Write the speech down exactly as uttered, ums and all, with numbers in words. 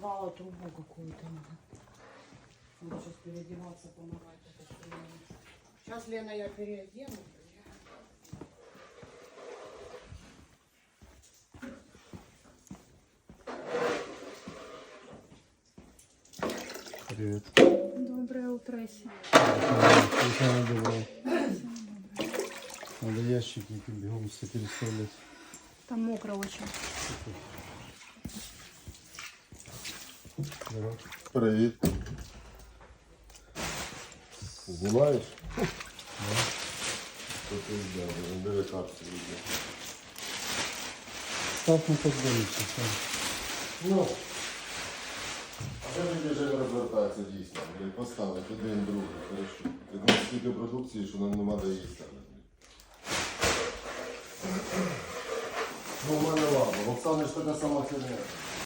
порвала трубу какую-то. Надо сейчас переодеваться, помогать. Сейчас, Лена, я переодену. Привет. Доброе утро, Иси. Самое доброе. Надо ящики эти бегом все переставлять. Там мокро очень. Здорово. Привіт. Знімаєш? Да. Що ти йде? Бери капсу йде. Став на подборниці. Ну. А це мені вже не розвертається дійсно. Блін, поставить один, другий, хорошо. Ти знаєш стільки продукції, що нам нема де їсти. Ну, в мене ладно. В Оксани ж така сама херня.